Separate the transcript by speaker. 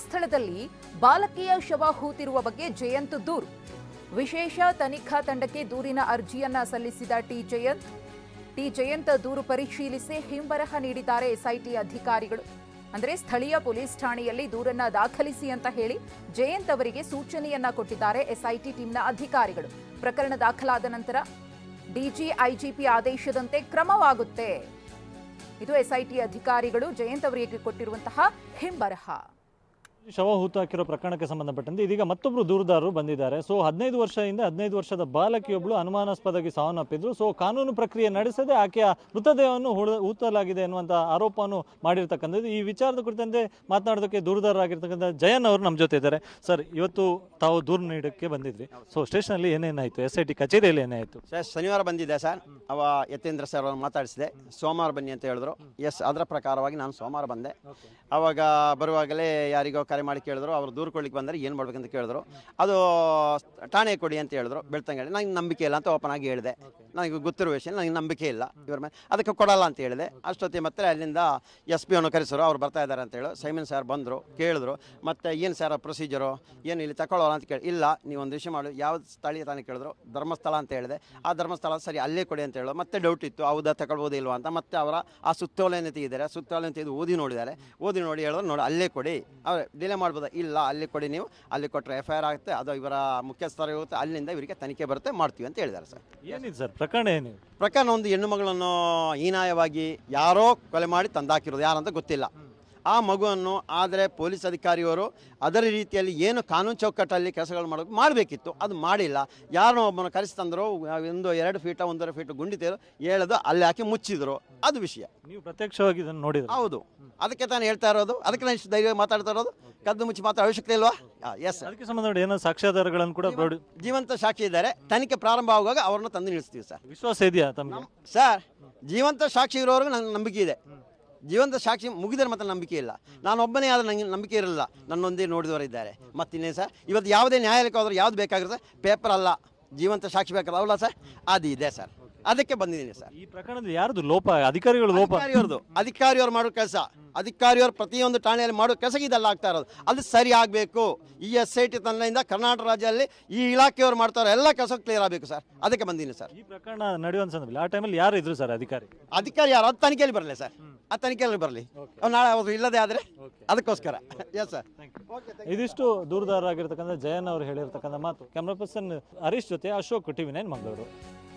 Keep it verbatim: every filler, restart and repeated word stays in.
Speaker 1: ಸ್ಥಳದಲ್ಲಿ ಬಾಲಕಿಯ ಶವ ಹೂತಿರುವ ಬಗ್ಗೆ ಜಯಂತ್ ದೂರು. ವಿಶೇಷ ತನಿಖಾ ತಂಡಕ್ಕೆ ದೂರಿನ ಅರ್ಜಿಯನ್ನ ಸಲ್ಲಿಸಿದ ಟಿ ಜಯಂತ್ ಟಿ ಜಯಂತ್ ದೂರು ಪರಿಶೀಲಿಸಿ ಹಿಂಬರಹ ನೀಡಿದ್ದಾರೆ ಎಸ್ಐಟಿ ಅಧಿಕಾರಿಗಳು. ಅಂದರೆ ಸ್ಥಳೀಯ ಪೊಲೀಸ್ ಠಾಣೆಯಲ್ಲಿ ದೂರನ್ನ ದಾಖಲಿಸಿ ಅಂತ ಹೇಳಿ ಜಯಂತ್ ಅವರಿಗೆ ಸೂಚನೆಯನ್ನ ಕೊಟ್ಟಿದ್ದಾರೆ ಎಸ್ಐಟಿ ಟೀಮ್ನ ಅಧಿಕಾರಿಗಳು. ಪ್ರಕರಣ ದಾಖಲಾದ ನಂತರ ಡಿಜಿ ಐಜಿಪಿ ಆದೇಶದಂತೆ ಕ್ರಮವಾಗುತ್ತೆ. ಇದು ಎಸ್ಐಟಿ ಅಧಿಕಾರಿಗಳು ಜಯಂತ್ ಅವರಿಗೆ ಕೊಟ್ಟಿರುವಂತಹ ಹಿಂಬರಹ.
Speaker 2: ಶವ ಹೂತು ಹಾಕಿರೋ ಪ್ರಕರಣಕ್ಕೆ ಸಂಬಂಧಪಟ್ಟಂತೆ ಇದೀಗ ಮತ್ತೊಬ್ಬರು ದೂರುದಾರರು ಬಂದಿದ್ದಾರೆ. ಸೊ ಹದಿನೈದು ವರ್ಷದಿಂದ ಹದಿನೈದು ವರ್ಷದ ಬಾಲಕಿಯೊಬ್ಬಳು ಅನುಮಾನಾಸ್ಪದವಾಗಿ ಸಾವನ್ನಪ್ಪಿದ್ರು. ಸೊ ಕಾನೂನು ಪ್ರಕ್ರಿಯೆ ನಡೆಸದೆ ಆಕೆಯ ಮೃತದೇಹವನ್ನು ಹೂತಲಾಗಿದೆ ಎನ್ನುವಂಥ ಆರೋಪವನ್ನು ಮಾಡಿರ್ತಕ್ಕಂಥದ್ದು. ಈ ವಿಚಾರದ ಕುರಿತಂತೆ ಮಾತನಾಡೋದಕ್ಕೆ ದೂರುದಾರರಾಗಿರ್ತಕ್ಕಂಥ ಜಯನ್ ಅವರು ನಮ್ಮ ಜೊತೆ ಇದ್ದಾರೆ. ಸರ್, ಇವತ್ತು ತಾವು ದೂರು ನೀಡೋಕ್ಕೆ ಬಂದಿದ್ವಿ. ಸೊ ಸ್ಟೇಷನಲ್ಲಿ ಏನೇನಾಯಿತು? ಎಸ್ ಐ ಟಿ ಕಚೇರಿಯಲ್ಲಿ ಏನಾಯಿತು?
Speaker 3: ಸರ್, ಶನಿವಾರ ಬಂದಿದ್ದೆ ಸರ್. ಅವ ಯತೇಂದ್ರ ಸರ್ ಅವ್ರನ್ನ ಮಾತಾಡಿಸಿದೆ. ಸೋಮವಾರ ಬನ್ನಿ ಅಂತ ಹೇಳಿದ್ರು. ಎಸ್, ಅದರ ಪ್ರಕಾರವಾಗಿ ನಾನು ಸೋಮವಾರ ಬಂದೆ. ಅವಾಗ ಬರುವಾಗಲೇ ಯಾರಿಗೋ ಕರೆ ಮಾಡಿ ಕೇಳಿದ್ರು. ಅವರು ದೂರು ಕೊಡ್ಲಿಕ್ಕೆ ಬಂದರೆ ಏನು ಮಾಡ್ಬೇಕಂತ ಕೇಳಿದ್ರು. ಅದು ಠಾಣೆ ಕೊಡಿ ಅಂತ ಹೇಳಿದ್ರು. ಬೆಳ್ತಂಗಡಿ ನನಗೆ ನಂಬಿಕೆ ಇಲ್ಲ ಅಂತ ಓಪನ್ ಆಗಿ ಹೇಳಿದೆ. ನನಗೆ ಗೊತ್ತಿರೋ ವಿಷಯ ನನಗೆ ನಂಬಿಕೆ ಇಲ್ಲ ಇವ್ರ ಮೇಲೆ, ಅದಕ್ಕೆ ಕೊಡಲ್ಲ ಅಂತ ಹೇಳಿದೆ. ಅಷ್ಟೊತ್ತಿಗೆ ಮತ್ತೆ ಅಲ್ಲಿಂದ ಎಸ್ ಪಿ ಅನ್ನು ಕರೆಸರು. ಅವ್ರು ಬರ್ತಾ ಇದ್ದಾರೆ ಅಂತ ಹೇಳಿ ಸೈಮನ್ ಸರ್ ಬಂದರು, ಕೇಳಿದ್ರು. ಮತ್ತು ಏನು ಸರ್ ಪ್ರೊಸೀಜರು ಏನು ಇಲ್ಲಿ ತಗೊಳ್ಳೋಲ್ಲ ಅಂತ ಕೇಳಿ, ಇಲ್ಲ ನೀವು ಒಂದು ವಿಷಯ ಮಾಡಿ ಯಾವ್ದು ಸ್ಥಳೀಯ ತಾನೇ ಕೇಳಿದ್ರು. ಧರ್ಮಸ್ಥಳ ಅಂತ ಹೇಳಿದೆ. ಆ ಧರ್ಮಸ್ಥಳ ಸರಿ ಅಲ್ಲೇ ಕೊಡಿ ಅಂತ ಹೇಳೋ. ಮತ್ತೆ ಡೌಟ್ ಇತ್ತು, ಹೌದಾ ತಗೊಳ್ಬೋದು ಇಲ್ವಾ ಅಂತ. ಮತ್ತೆ ಅವರ ಆ ಸುತ್ತೋಲೆಯನ್ನು ತೆಗೆದಿದ್ದಾರೆ. ಸುತ್ತೋಲೆಯನ್ನು ತೆಗೆದು ಓದಿ ನೋಡಿದ್ದಾರೆ. ಓದಿ ನೋಡಿ ಹೇಳಿದ್ರು, ನೋಡಿ ಅಲ್ಲೇ ಕೊಡಿ. ಅವ್ರು ಡಿಲೇ ಮಾಡ್ಬೋದಾ? ಇಲ್ಲ, ಅಲ್ಲಿ ಕೊಡಿ. ನೀವು ಅಲ್ಲಿ ಕೊಟ್ಟರೆ ಎಫ್ ಐ ಆರ್ ಆಗುತ್ತೆ, ಅದು ಇವರ ಮುಖ್ಯಸ್ಥರು ಹೋಗುತ್ತೆ, ಅಲ್ಲಿಂದ ಇವರಿಗೆ ತನಿಖೆ ಬರುತ್ತೆ, ಮಾಡ್ತೀವಿ ಅಂತ ಹೇಳಿದ್ದಾರೆ ಸರ್.
Speaker 2: ಏನಿದೆ ಸರ್ ಪ್ರಕರಣ? ಏನಿದೆ
Speaker 3: ಪ್ರಕರಣ? ಒಂದು ಹೆಣ್ಣು ಮಗಳನ್ನು ಹೀನಾಯವಾಗಿ ಯಾರೋ ಕೊಲೆ ಮಾಡಿ ತಂದಾಕಿರೋದು, ಯಾರಂತ ಗೊತ್ತಿಲ್ಲ. ಆ ಮಗುವನ್ನು ಆದರೆ ಪೊಲೀಸ್ ಅಧಿಕಾರಿಯವರು ಅದರ ರೀತಿಯಲ್ಲಿ ಏನು ಕಾನೂನು ಚೌಕಟ್ಟಲ್ಲಿ ಕೆಲಸಗಳು ಮಾಡೋದು ಮಾಡಬೇಕಿತ್ತು, ಅದು ಮಾಡಿಲ್ಲ. ಯಾರನ್ನೋ ಒಬ್ಬನ ಕರೆಸಿ ತಂದರು. ಒಂದು ಎರಡು ಫೀಟ ಒಂದೂವರೆ ಫೀಟ್ ಗುಂಡಿ ತೆಗೆದು ಹೇಳೋದು ಅಲ್ಲಿ ಹಾಕಿ ಮುಚ್ಚಿದ್ರು. ಅದು ವಿಷಯ.
Speaker 2: ನೀವು ಪ್ರತ್ಯಕ್ಷವಾಗಿ ಇದನ್ನು ನೋಡಿದ್ರೆ?
Speaker 3: ಹೌದು, ಅದಕ್ಕೆ ತಾನು ಹೇಳ್ತಾ ಇರೋದು. ಅದಕ್ಕೆ ನಾನು ಇಷ್ಟು ಧೈರ್ಯ ಮಾತಾಡ್ತಾ ಇರೋದು. ಕದ್ದು ಮುಚ್ಚಿ ಮಾತಾಡೋ ಅವಶ್ಯಕತೆ ಇಲ್ವಾ? ಎಸ್.
Speaker 2: ಅದಕ್ಕೆ ಸಂಬಂಧ ಏನೋ ಸಾಕ್ಷ್ಯಾಧಾರಗಳನ್ನು ಕೂಡ
Speaker 3: ಜೀವಂತ ಸಾಕ್ಷಿ ಇದ್ದಾರೆ. ತನಿಖೆ ಪ್ರಾರಂಭ ಆಗುವಾಗ ಅವ್ರನ್ನ ತಂದು ನಿಲ್ಲಿಸ್ತೀವಿ ಸರ್.
Speaker 2: ವಿಶ್ವಾಸ ಇದೆಯಾ ತಮಗೆ?
Speaker 3: ಸರ್, ಜೀವಂತ ಸಾಕ್ಷಿ ಇರೋವರೆಗೂ ನನಗೆ ನಂಬಿಕೆ ಇದೆ. ಜೀವಂತ ಸಾಕ್ಷಿ ಮುಗಿದರೆ ಮತ್ತೆ ನಂಬಿಕೆ ಇಲ್ಲ. ನಾನು ಒಬ್ಬನೇ ಆದ್ರೆ ನನಗೆ ನಂಬಿಕೆ ಇರಲಿಲ್ಲ. ನನ್ನೊಂದೇ ನೋಡಿದವರಿದ್ದಾರೆ. ಮತ್ತಿನ್ನೇನು ಸರ್, ಇವತ್ತು ಯಾವುದೇ ನ್ಯಾಯಾಲಯಕ್ಕೆ ಹೋದ್ರೆ ಯಾವ್ದು ಬೇಕಾಗಿರುತ್ತೆ? ಪೇಪರ್ ಅಲ್ಲ, ಜೀವಂತ ಸಾಕ್ಷಿ ಬೇಕಲ್ಲ, ಅವಲ್ಲ ಸರ್? ಅದು ಇದೆ ಸರ್. ಅದಕ್ಕೆ ಬಂದಿದ್ದೀನಿ ಸರ್.
Speaker 2: ಈ ಪ್ರಕರಣದಲ್ಲಿ ಯಾರ್ದು ಲೋಪ? ಅಧಿಕಾರಿಗಳು ಲೋಪ?
Speaker 3: ಅಧಿಕಾರಿಯವ್ರದ್ದು. ಅಧಿಕಾರಿಯವ್ರು ಮಾಡೋ ಕೆಲಸ, ಅಧಿಕಾರಿಯವರು ಪ್ರತಿಯೊಂದು ಠಾಣೆಯಲ್ಲಿ ಮಾಡೋ ಕೆಲಸಕ್ಕೆ ಇದೆಲ್ಲ ಆಗ್ತಾ ಇರೋದು. ಅದು ಸರಿ ಆಗಬೇಕು. ಈ ಎಸ್ ಐ ಟಿ ತಂಡದಿಂದ ಕರ್ನಾಟಕ ರಾಜ್ಯದಲ್ಲಿ ಈ ಇಲಾಖೆಯವರು ಮಾಡ್ತಾರೋ ಎಲ್ಲ ಕೆಲಸ ಕ್ಲಿಯರ್ ಆಗಬೇಕು ಸರ್. ಅದಕ್ಕೆ ಬಂದಿದ್ದೀನಿ ಸರ್.
Speaker 2: ಈ ಪ್ರಕರಣ ನಡೆಯುವ ಸಂದರ್ಭದಲ್ಲಿ ಆ ಟೈಮಲ್ಲಿ ಯಾರು ಇದ್ರು ಸರ್ ಅಧಿಕಾರಿ?
Speaker 3: ಅಧಿಕಾರಿ ಯಾರು? ಅದು ತನಿಖೆಯಲ್ಲಿ ಬರಲಿ ಸರ್. ಆ ತನಿಖೆಯಲ್ಲಿ ಬರಲಿ. ನಾಳೆ ಅವರು ಇಲ್ಲದೆ ಆದರೆ ಅದಕ್ಕೋಸ್ಕರ. Yes sir.
Speaker 2: ಇದಿಷ್ಟು ದೂರದಾರರಾಗಿರ್ತಕ್ಕಂಥ ಜಯನ್ ಅವರು ಹೇಳಿರ್ತಕ್ಕಂಥ ಮಾತು. ಕ್ಯಾಮ್ರಾ ಪರ್ಸನ್ ಹರೀಶ್ ಜೊತೆ ಅಶೋಕ್, ಟಿವಿ ನೈನ್ ಮಂಗಳೂರು.